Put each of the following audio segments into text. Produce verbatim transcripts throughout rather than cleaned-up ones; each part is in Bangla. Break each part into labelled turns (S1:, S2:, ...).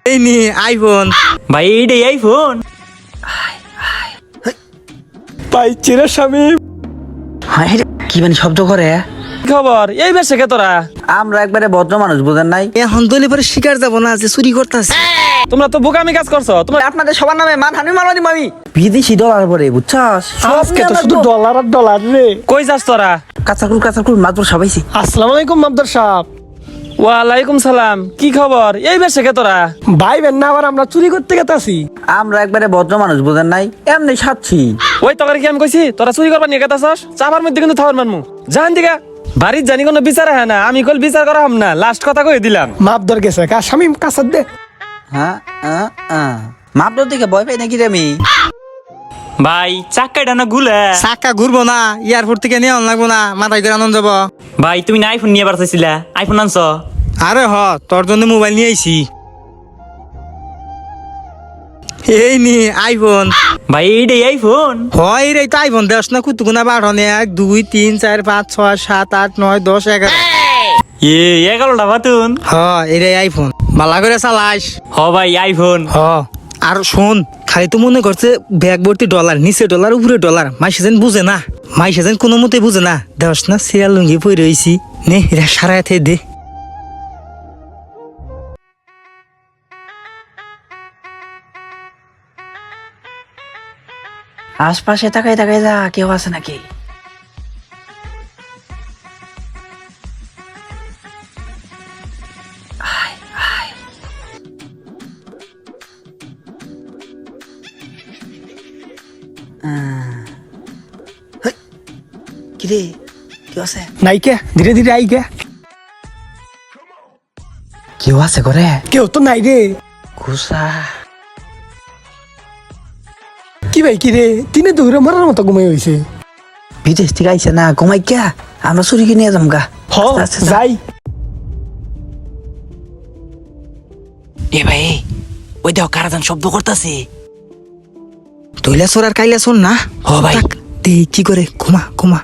S1: এই নি আইফোন।
S2: ভাই এইটাই আইফোন।
S1: পাইছি রে শামিম।
S3: হ্যাঁ কি মানে শব্দ করে?
S2: খবর এই বেশে কে তোরা?
S3: আমরা একবারে ভদ্র মানুষ, বুঝেন নাই?
S1: এখন দলি পরে শিকার যাব না যে চুরি করতেছে।
S2: তোমরা তো বোকামি কাজ করছো। তোমরা
S3: আপনাদের সবার নামে মানহানি মারানি মামি বিদেশি ডলার পরে, বুঝছস?
S4: আজকে তো শুধু ডলার আর ডলার রে।
S2: কই যাস তোরা?
S3: কাঁচাকুল কাঁচাকুল মাত্র সবাইছি।
S4: আসসালামু আলাইকুম মামদার সাহেব।
S2: ওয়ালাইকুম সালাম। কি খবর এই বেশে কে তোরা?
S4: ভাই বেন না আবার আমরা চুরি করতে গেতাছি।
S3: আমরা একবারে ভদ্র মানুষ, বুঝেন নাই? এমনি সাচ্ছি।
S2: ওই তোকে কি আমি কইছি তোরা চুরি করবার নিয়ে গেতাছস? চাপার মধ্যে কিন্তু থাওয়ার মানমু। জান দিগা বাড়ির জানি কোনো বিচার হয় না। আমি কল বিচার করা হম না। লাস্ট কথা কই দিলাম।
S4: মাপদর গেছে কা শামিম কাছার দে।
S3: হ্যাঁ হ্যাঁ হ্যাঁ মাপদর দিকে ভয় পাই নাকি রে আমি?
S2: ভাই চাক্কাটা না গুলে।
S1: চাকা ঘুরবো না, এয়ারপোর্ট থেকে নিয়ে লাগবো না, মাথায় করে আনন্দ যাবো।
S2: ভাই তুমি না আইফোন নিয়ে বার চাইছিলা? আইফোন আনছো?
S1: আরে হ, তোর জন্য মোবাইল নিয়ে আইছি। এই নি আইফোন।
S2: ভাই এইটাই আইফোন।
S1: হয় রে, তো আইফোন দেশ না কুতুকুনা বাড়নে এক দুই তিন চার পাঁচ ছয় সাত আট নয় দশ এগারো।
S2: এ এগারোটা বাতুন।
S1: হ এটাই আইফোন, ভালো করে চালাইস।
S2: হ ভাই আইফোন।
S1: হ আর শোন, খালি তো মনে করছে ব্যাগ ভর্তি ডলার, নিচে ডলার উপরে ডলার। মাইসে যেন বুঝে না, মাইসে যেন কোনো মতে বুঝে না। দেশ না সিরিয়াল লুঙ্গি পরে রয়েছি, নে এটা সারায় থে দে।
S3: আশপাশে তাকাই তাকাই যা, কেউ আছে নাকি? আয়, আয়। আহ, হেই, কিরে কেউ আছে?
S4: নাই কে ধীরে ধীরে আই কে।
S3: কেউ আছে করে?
S4: কেউ তো নাই রে।
S3: ঘুষা
S4: কি ভাই কি রে, তিনে দৌড়ে মারার মতো ঘুমাই হইছে।
S3: বিদেশ থেকে আইছে না, ঘুমাই কে? আমরা চুরিকে নিয়ে যাম গা।
S4: হ
S3: আস্তে আস্তে যা।
S4: যাই।
S3: এ ভাই ওই দেখ কারাদান শব্দ করতেছে।
S1: তৈলা সোর আর কাইলা শোন না।
S3: হ ভাই।
S1: থাক, দে কি করে, ঘুমা ঘুমা।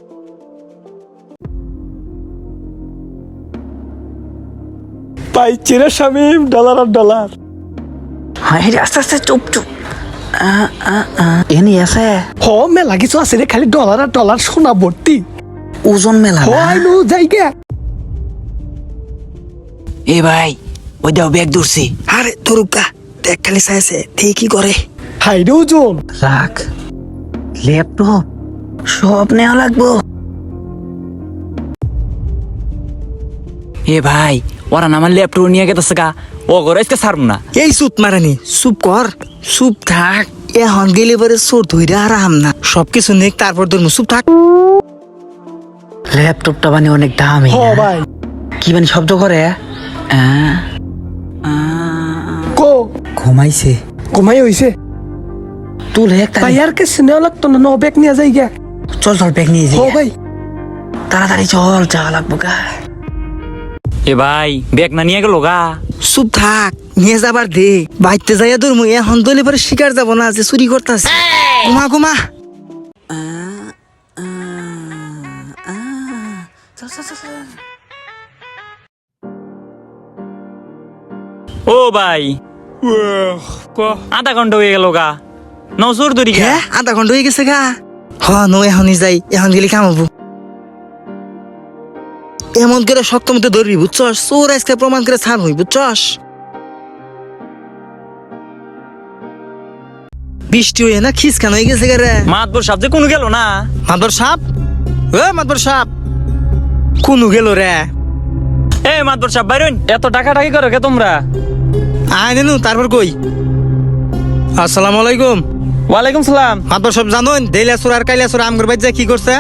S4: পাইছি রে শামিম, ডলার আর ডলার।
S3: হ্যাঁ রে, আস্তে আস্তে চুপ চুপ। আ, আ, আ। এনে আছে
S4: হ মেলা কিছু আছে রে, খালি ডলার আর ডলার সোনা ভর্তি।
S3: ওজন মেলা
S4: হ
S3: না?
S4: আইনু যাই কে।
S3: এ ভাই ওই দেখ ব্যাগ দূরছি।
S1: আরে তরুকা দেখ, খালি চাইছে দে কি করে।
S4: হাই রে ওজন।
S3: রাখ, ল্যাপটপ সব নেওয়া লাগবো।
S2: এ ভাই ওরা না আমার ল্যাপটপ নিয়ে গেতেছে গা। ও ঘরে আজকে ছাড়ব না।
S1: এই চুপ মারানি, চুপ কর, চুপ থাক। এখন গেলে পরে চোর ধরে আর আম না, সবকিছু নেক তারপর ধরবো। চুপ থাক।
S3: ল্যাপটপটা মানে অনেক দামি
S4: হ
S3: না?
S4: ভাই
S3: কি মানে শব্দ করে? আ, আ,
S4: কো
S3: ঘুমাইছে।
S4: ঘুমাই হইছে।
S3: তুল একটা
S4: তাই আর কে নেওয়া লাগতো না, ন ব্যাগ নিয়ে যাই গে।
S3: চল চল ব্যাগ নিয়ে
S4: হ
S3: যাই।
S4: ভাই
S3: তাড়াতাড়ি চল, যাওয়া লাগবো গা।
S2: এ ভাই ব্যাগ না নিয়ে গেল গা।
S1: চুপ থাক, নিয়ে যাবার দে। বাইতে যাইয়া ধরবো, এখন দলে পরে শিকার যাব না যে চুরি করতেছে। ঘুমা ঘুমা।
S2: ও ভাই আধা ঘন্টা হয়ে গেল গা। নজর ধরি গা।
S1: হ্যাঁ আধা ঘন্টা হয়ে গেছে গা। হ নো এখনই যাই, এখন গেলে কামাবো। এমন করে শক্ত মতো ধরবি, বুঝছস? চোর আজকে প্রমাণ করে ছাড় হই, বুঝছস? বৃষ্টি হয়ে না খিসখান হয়ে গেছে রে।
S2: মাতবর সাপ যে কোনো গেল না।
S1: মাদর সাপ, ও মাদর সাপ কোন গেল রে?
S2: এ মাতবর সাপ বাইরন। এত টাকা টাকি করো কে তোমরা?
S1: আয় নেনু, তারপর কই। আসসালামু আলাইকুম।
S2: ওয়ালাইকুম সালাম।
S1: মাদর সাপ জানোন দেইলা চোর আর কাইলা চোর আমগর বাইর যায় কি করছে?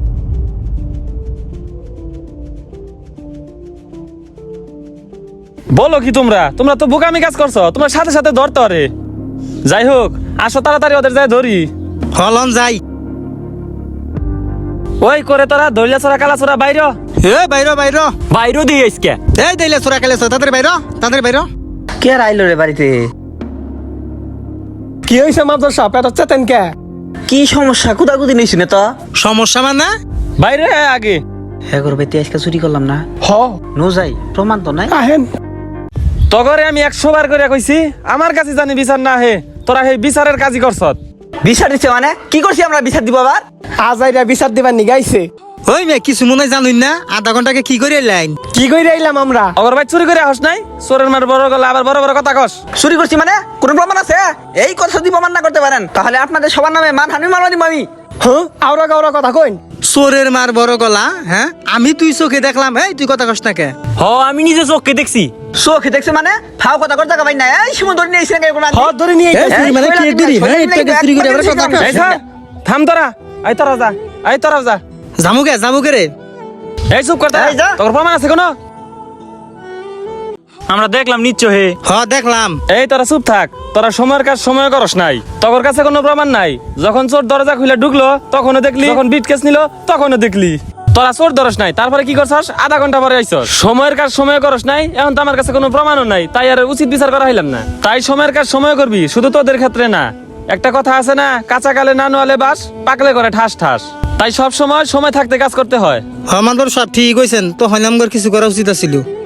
S2: বলো কি তোমরা? তোমরা তো বোকামি কাজ করছো। তোমার সাথে সাথে ধরতে পারে। যাই হোক আসো তাড়াতাড়ি ওদের যাই ধরি।
S1: হলন যাই।
S2: ওই করে তোরা ধরলে চোরা কালা চোরা বাইর
S1: এ বাইরো বাইরো
S2: বাইরও দিয়ে আজকে।
S1: এই দেইলা চোরা কাইলা চোর তাদের বাইরো, তাদের বাইরো।
S3: কে আইলো রে বাড়িতে?
S4: কি হইছে মামদার সাহেব, এটা চেতেন কে?
S3: কি সমস্যা? কুদাকুদি নিছি না তো?
S1: সমস্যা মানে?
S2: বাইরে আগে।
S3: হ্যাঁ করবে, আজকে চুরি করলাম না।
S4: হ
S3: নো যাই, প্রমাণ তো নাই।
S4: আহেন।
S2: তগরে আমি একশো বার করে কইছি আমার কাছে জানি বিচার না হে তোরা হে বিচারের কাজই করছত।
S3: বিচার দিচ্ছে মানে কি করছি আমরা বিচার দিব আবার?
S4: আজ আইরা বিচার দিবার নি গাইছে।
S1: ওই মেয়ে কিছু মনে হয় জানুন না, আধা ঘন্টাকে কি করে লাইন?
S4: কি কইরা আইলাম আমরা?
S2: অগর ভাই চুরি করে হস নাই, চোরের মার বড় গলা আবার বড় বড় কথা কস।
S3: চুরি করছি মানে কোন প্রমাণ আছে? এই কথা যদি প্রমাণ না করতে পারেন তাহলে আপনাদের সবার নামে মানহানি মামলা দিব আমি।
S4: হ্যাঁ আওরা গাওরা কথা কইন।
S1: চোরের মার বড় গলা, হ্যাঁ আমি তুই চোখে দেখলাম, এই তুই কথা কস না কে?
S2: হ আমি নিজে চোখকে দেখছি।
S3: চোখে দেখছে মানে ফাও কথা করতে ভাই না এই সময় ধরে নিয়ে এসে কোন
S4: হ্যাঁ ধরে নিয়ে
S1: এই চুরি মানে কি চুরি? হ্যাঁ একটু আগে চুরি করে আবার কথা কস।
S2: এই থাম, থাম তোরা, এই তোরা যা, এই তোরা যা।
S1: জামুকে জামুকে রে।
S2: এই চুপ করতে,
S3: এই যা।
S2: তোর প্রমাণ আছে কোনো? আমরা দেখলাম নিচ্ছ হে।
S1: হ দেখলাম।
S2: এই তোরা চুপ থাক, তোরা সময়ের কাজ সময় করস নাই, তোর কাছে কোনো প্রমাণ নাই। যখন চোর দরজা খুলে ঢুকলো তখনও দেখলি, যখন বিট কেস নিল তখনও দেখলি। তোরা চোর ধরস নাই, তারপরে কি করছস? আধা ঘন্টা পরে আইছস। সময়ের কাজ সময় করস নাই, এখন তো আমার কাছে কোনো প্রমাণও নাই, তাই আর উচিত বিচার করা হইলাম না। তাই সময়ের কাজ সময় করবি, শুধু তোদের ক্ষেত্রে না। একটা কথা আছে না, কাঁচা কালে না নোয়ালে বাস, পাকলে করে ঠাস ঠাস। তাই সব সময় সময় থাকতে কাজ করতে হয়।
S1: হ মানবর সব ঠিক হইছেন, তো হইলাম কিছু করা উচিত ছিল।